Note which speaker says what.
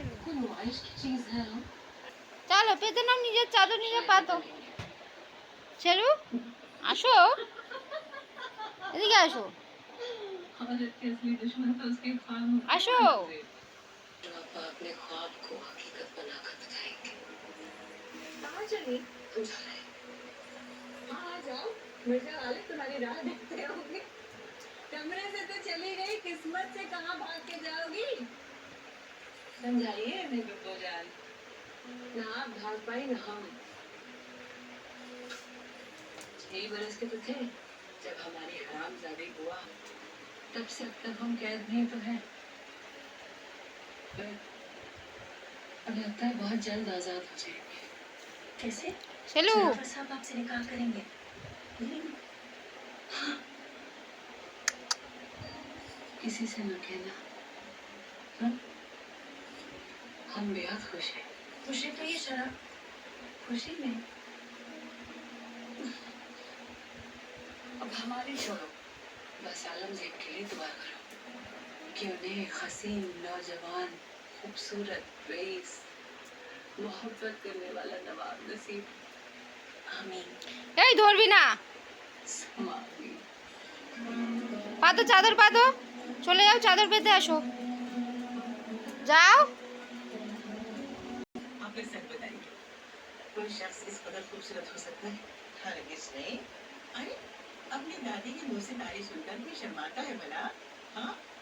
Speaker 1: कोई नुमाइश की चीज है हम।
Speaker 2: চলো পেতে নাও, নিজের চাদর নিজে পাতো। ছেলু আসো, এদিকে আসো,
Speaker 1: औरत के असली दुश्मन तो उसके ख्वाब होते हैं
Speaker 2: আসো।
Speaker 1: अंग्रेज। आप अपने ख्वाब को हकीकत बनाकर दिखाएंगे। कहाँ चली? हम जा रहे हैं। हाँ आ जाओ, मिर्जा वाले तुम्हारी राह देखते होंगे। कमरे से तो चली गई, किस्मत से कहाँ भाग के जाओगी? समझाइए हमें बिब्बो जान। ना आप भाग पाई ना हम। 6 बरस के तो थे जब हमारी हरामजादी हुआ, तब से अब तक हम कैद में ही तो हैं। पर अब लगता है बहुत जल्द आजाद हो जाएंगे। कैसे?
Speaker 2: ছেলু
Speaker 1: जरावर साहब आपसे निकाह करेंगे। हाँ, किसी से न कहना। हाँ? हम बेहद खुश हैं। खुशी तो ये शराब खुशी में। अब हमारी छोड़ो, बस आलमगीर के लिए दुआ करो कि उन्हें एक हसीन नौजवान खूबसूरत रईस मोहब्बत करने वाला नवाब नसीब। आमीन।
Speaker 2: এই ধরবি না,
Speaker 1: समामीन।
Speaker 2: পাতো চাদর পাতো, চলে যাও চাদর পেতে আসো, যাও।
Speaker 1: आपने सच बताई, कोई शख्स इस कदर खूबसूरत हो सकता है? हरगिज़ नहीं। अरे अपनी दादी के मुंह से तारीफ सुनकर भी शर्माता है भला? हाँ